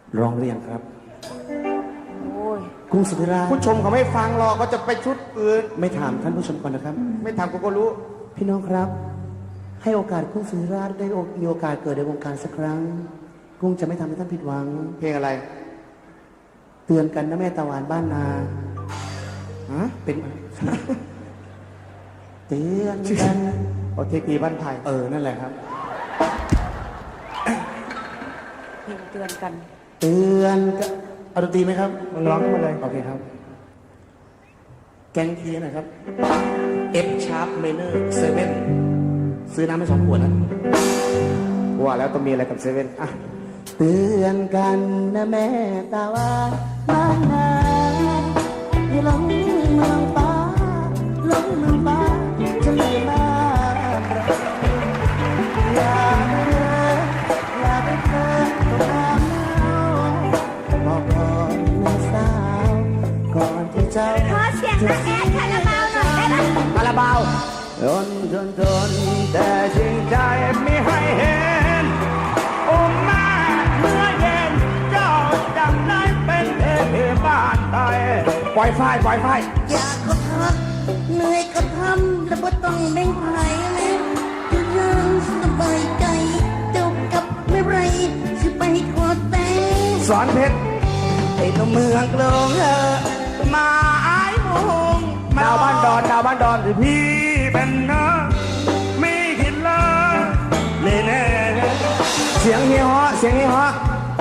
ร้องหรือยังครับโอ้ยกุ้งสุธิราชผู้ชมเขาไม่ฟังหรอกก็จะไปชุดอื่นไม่ถามท่านผู้ชมก่อนนะครับไม่ทำกูก็รู้พี่น้องครับ ให้โอกาสกุ้งสุธิราชได้มีโอกาสเกิดในวงการสักครั้ง กุ้งจะไม่ทำให้ท่านผิดหวังเพลงอะไรเตือนกันนะแม่ตาหวานบ้านนาฮะเป็น เตือนกันโอเทกีบ้านไผ่นั่นแหละครับเพลงเตือนกันเตือนกันเอาดนตรีไหมครับมึงร้องขึ้นมาเลยโอเคครับ แกงเทียนนะครับ F sharp minor 7ซื้อน้ำไป2 ขวดนะว่าแล้วต้องมีอะไรกับเซเว่นอ่ะเตือนกันนะแม่ตาว่าบ้านนาอย่าหลงเมืองฟ้าหลงเมืองฟ้าจะเลยมาอย่าไปเดินอย่าไปเดินตรงน้ำเน่าบอกก่อนนะสาวก่อนที่เจ้าขอเสียงนักแอดคาราบาวหน่อยได้ไหมคาราบาวทนแต่จริงใจไม่ให้เห็นโอ้แม่เมื่อเย็นเจ้าจำได้เป็นเอบ้านไทยปล่อยไฟปล่อยไฟอยากก็พักเหนื่อยก็ทำแล้วก็ต้องแบ่งไผ่เลยจะยังสบายใจเจ้ากับไม่ไรสิไปขอแต่งสอนเพชรไอ้ตัวเมืองกรุงมาไอ้มงดาวบ้านดอนดาวบ้านดอนที่พี่เป็นเนื้อมีหินเลยนี่แน่เสียงเฮียฮะเสียงเฮียฮะ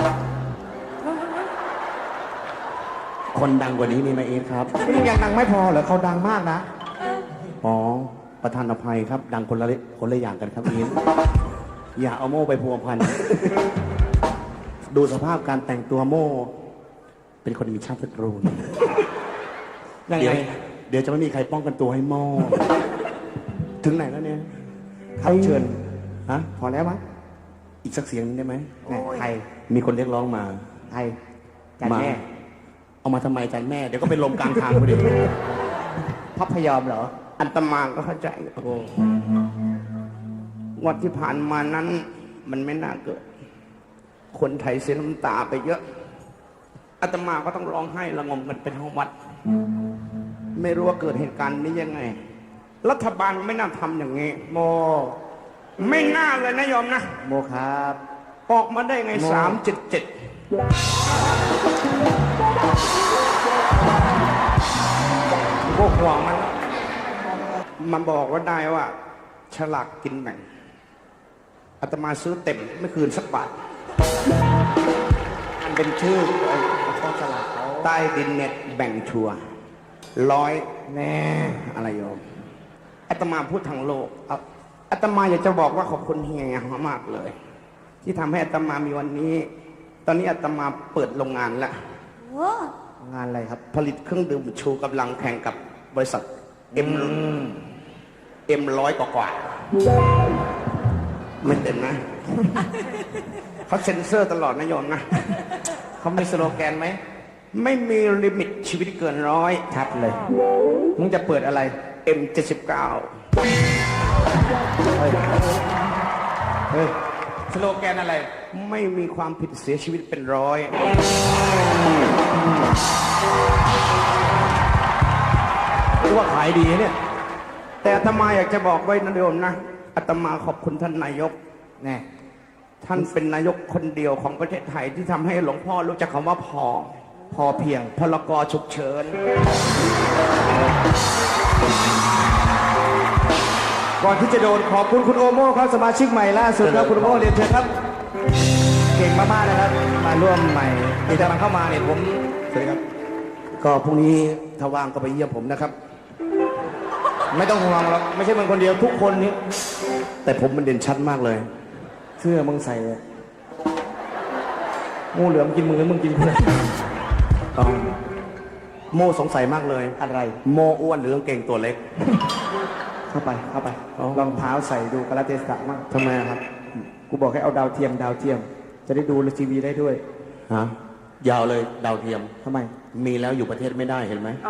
คนดังกว่านี้มีไหมเอฟครับนี่ยังดังไม่พอเหรอเขาดังมากนะอ๋อ ประธานอภัยครับ ดังคนละอย่างกันครับเอฟอย่าเอาโม่ไปพัวพัน ดูสภาพการแต่งตัวโม่ เป็นคนมีชาติตระกูลยังเดี๋ไงยวเดี๋ยวจะไม่มีใครป้องกันตัวให้โม่ ถึงไหนแล้วเนี่ยครับเชิญฮะพอแล้วมั้งอีกสักเสียงหนึงได้ไหมแหม่ใครมีคนเรียกร้องมาใครจันแม่เอามาทำไมจันแม่ เดี๋ยวก็เป็นลมกลางทางพอดีพัพยอมเหรอ อันตมาก็เข้าใจโอ้งวดที่ผ่านมานั้น มันไม่น่าเกิด คนไทยเสียน้ำตาไปเยอะอาตมาก็ต้องร้องไห้ระงมกันเป็นห้องวัด ไม่รู้ว่าเกิดเหตุการณ์นี้ยังไง รัฐบาลไม่น่าทำอย่างนี้ โม ไม่น่าเลยนะโยมนะโมครับออกมาได้ไงโม 377พวกห่วงมันบอกว่าได้ว่า ฉลากกินแบ่งอาตมาซื้อเต็มไม่คืนสักบาทมันเป็นชื่อข้อฉลากเขาใต้ดินเน็ตแบ่งชัว100แน่อะไรโยมอาตมาพูดทางโลกอาตมาอยากจะบอกว่าขอบคุณเฮียมากเลย ที่ทำให้อาตมามีวันนี้ ตอนนี้อาตมาเปิดโรงงานแล้วโอ้งานอะไรครับ ผลิตเครื่องดื่มชูกำลังแข่งกับบริษัทM100กว่าไม่เต็มนะ เขาเซ็นเซอร์ตลอดนะโยมนะ เขามีสโลแกนไหม ไม่มีลิมิตชีวิตเกิน100ชัดเลย มึงจะเปิดอะไร M79 เฮ้ย สโลแกนอะไร ไม่มีความผิดเสียชีวิตเป็น100รู้ว่าขายดีเนี่ย แต่อาตมาอยากจะบอกไว้นะโยมนะอาตมาขอบคุณท่านนายกแน่ท่านเป็นนายกคนเดียวของประเทศไทยที่ทำให้หลวงพ่อรู้จักคำว่าพอเพียงพลกฉุกเฉินก่อนที่จะโดนขอบคุณคุณโอโม่ครับสมาชิกใหม่ล่าสุดครับคุณโอโม่เรียนเชิญครับ เก่งมากๆนะครับ มาร่วมใหม่ที่จะมาเข้ามาเนี่ยผมสวัสดีครับก็พรุ่งนี้ถ้าว่างก็ไปเยี่ยมผมนะครับไม่ต้องห่วงหรอกไม่ใช่มึงคนเดียวทุกคนนี้แต่ผมมันเด่นชัดมากเลยเสื้อมึงใส่เลยงูเหลือมกินมึงแล้วมึงกินเพื่อนโมสงสัยมากเลยอะไรโมอ้วนหรือกางเกงตัวเล็กเข้าไปรองเท้าใส่ดูกาลเทศะมั่งทำไมครับกูบอกให้เอาดาวเทียม จะได้ดูทีวีได้ด้วยฮะ ยาวเลยดาวเทียมทำไมมีแล้วอยู่ประเทศไม่ได้เห็นไหมเอา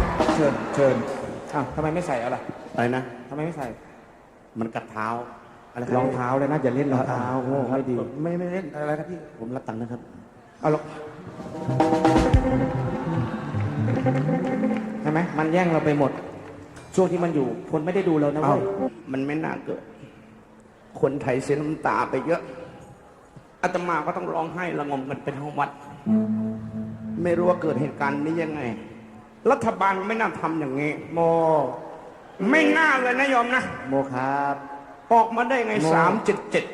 เชิญอ้าวทำไมไม่ใส่เอาล่ะอะไรนะทำไมไม่ใส่มันกัดเท้าอะไรครรับองเท้าเลยนะอย่าเล่นรองเท้าโง่ไม่ดีไม่เล่นอะไรครับพี่ผมรับตังค์นะครับเอาหรอกใช่ไหมมันแย่งเราไปหมด ช่วงที่มันอยู่คนไม่ได้ดูเรานะเอ้าเว้ยมันไม่น่าเกิด คนไทยเสียน้ำตาไปเยอะอาตมาก็ต้องร้องไห้ระงมกันเป็นห้องวัด ไม่รู้ว่าเกิดเหตุการณ์นี้ยังไง รัฐบาลไม่น่าทำอย่างนี้โมไม่น่าเลยนะโยมนะโมครับออกมาได้ไงโง่ 377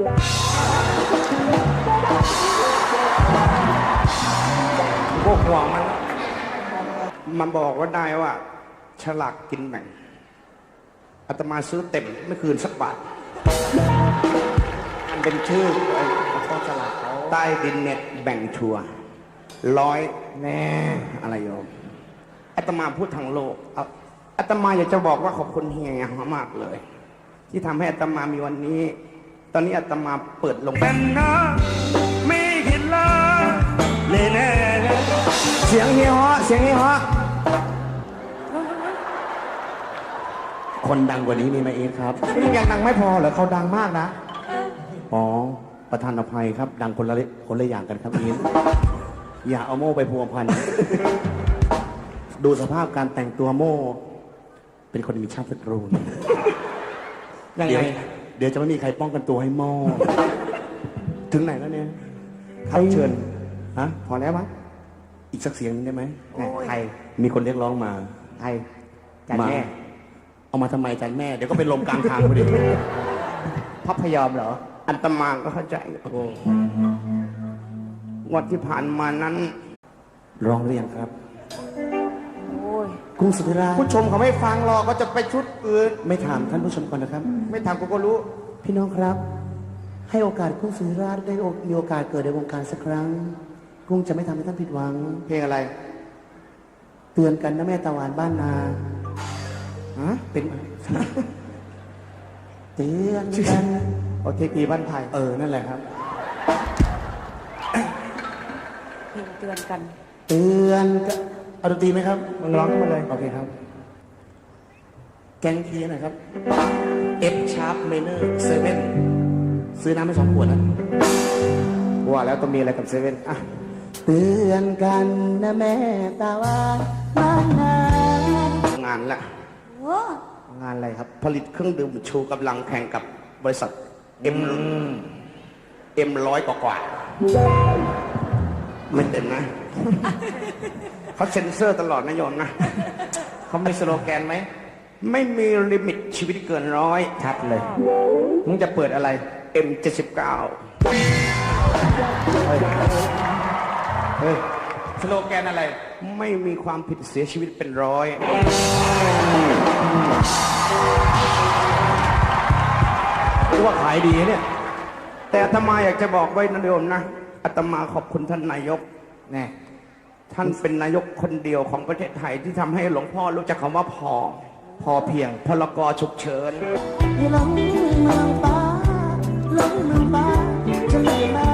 พวกห่วงมันบอกว่าได้ว่า ฉลากกินแบ่งอาตมาซื้อเต็มไม่คืนสักบาทมันเป็นชื่อไอ้ข้อสลากเขาใต้ดินเน็ตแบ่งชัวร์100 แน่อะไรโยมอาตมาพูดทางโลกอาตมาอยากจะบอกว่าขอบคุณเฮียมากเลย ที่ทำให้อาตมามีวันนี้ ตอนนี้อาตมาเปิดลงเป็นนะไม่คิดเลยแน่เสียงเฮียฮะเสียงเฮียฮะคนดังกว่านี้มีไหมเองครับนี่ยังดังไม่พอเหรอเขาดังมากนะอ๋อประธานอภัยครับ ดังคนละอย่างกันครับเองอย่าเอาโม่ไปพัวพัน ดูสภาพการแต่งตัวโม่ เป็นคนมีชาติตระกูลยังเดี๋ไงยวเดี๋ยวจะไม่มีใครป้องกันตัวให้โม่ ถึงไหนแล้วเนี่ยครับเชิญฮะพอแล้วมั้งอีกสักเสียงหนึ่งได้ไหมแหม่ใครมีคนเรียกร้องมาใครจานแม่เอามาทำไมจานแม่ เดี๋ยวก็เป็นลมกลางทางพอดีพับพยอมเหรออันตมาก็เข้าใจวันที่ผ่านมานั้นร้องเรียงครับโอ้ยกรุงสุธิราชผู้ชมเขาไม่ฟังหรอกก็จะไปชุดอื่นไม่ถามท่านผู้ชมก่อนนะครับไม่ทำกูก็รู้พี่น้องครับ ให้โอกาสกรุงสุธิราชได้มีโอกาสเกิดในวงการสักครั้งกรุงจะไม่ทำให้ท่านผิดหวังเพลงอะไรเตือนกันนะแม่ตะวันบ้านนาฮะเป็น เตือนกันโอเทกีบ้านไผ่นั่นแหละครับเพลงเตือนกันเตือนกันเอาดนตรีไหมครับมึงร้องขึ้นมาเลยโอเคครับ แกงเทียหน่อยครับ F sharp minor 7ซื้อน้ำไป2 ขวดนะว่าแล้วต้องมีอะไรกับเซเว่นอ่ะเตือนกันนะแม่ตาวันบ้านนางานละโอ้งานอะไรครับผลิตเครื่องดื่มชูกำลังแข่งกับบริษัท M100 กว่าไม่เต็มนะ เขาเซ็นเซอร์ตลอดนะโยมนะเขามีสโลแกนไหมไม่มีลิมิตชีวิตเกิน100 ชัดเลย มึงจะเปิดอะไร M79 เฮ้ย สโลแกนอะไรไม่มีความผิดเสียชีวิตเป็น100 รู้ว่าขายดีเนี่ยแต่อาตมาอยากจะบอกไว้นะโยมนะอาตมาขอบคุณท่านนายกแน่ท่านเป็นนายกคนเดียวของประเทศไทยที่ทำให้หลวงพ่อรู้จักคำว่าพอเพียงพลกฉุกเฉินลงเมืองฟ้าลงเมืองฟ้าจะไม่มา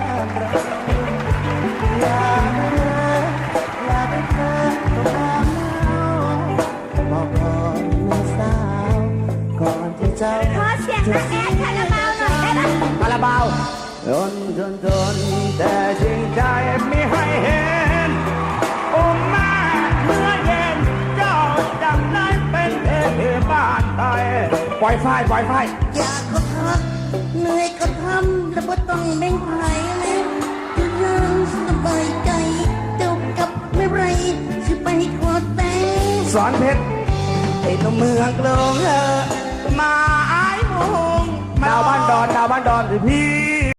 อยากเธออยากให้เธอต้องมาบอกก่อนแม่สาวก่อนที่เจ้าขอเสียงนักแอดคาราบาวหน่อยได้ไหมคาราบาวทนแต่จริงใจไม่ให้เห็นโอ้แม่เมื่อเย็นเจ้าจำได้เป็นเทพบ้านไทยปล่อยไฟปล่อยไฟอยากก็พักเหนื่อยก็ทำแล้วบ่ต้องแบ่งไผเลยจะยังสบายใจเจ้ากับไม่ไรสิไปขอแต่งสอนเพชรไอ้ตัวเมืองกรุงมาไอ้มงดาวบ้านดอน ดาวบ้านดอนพี่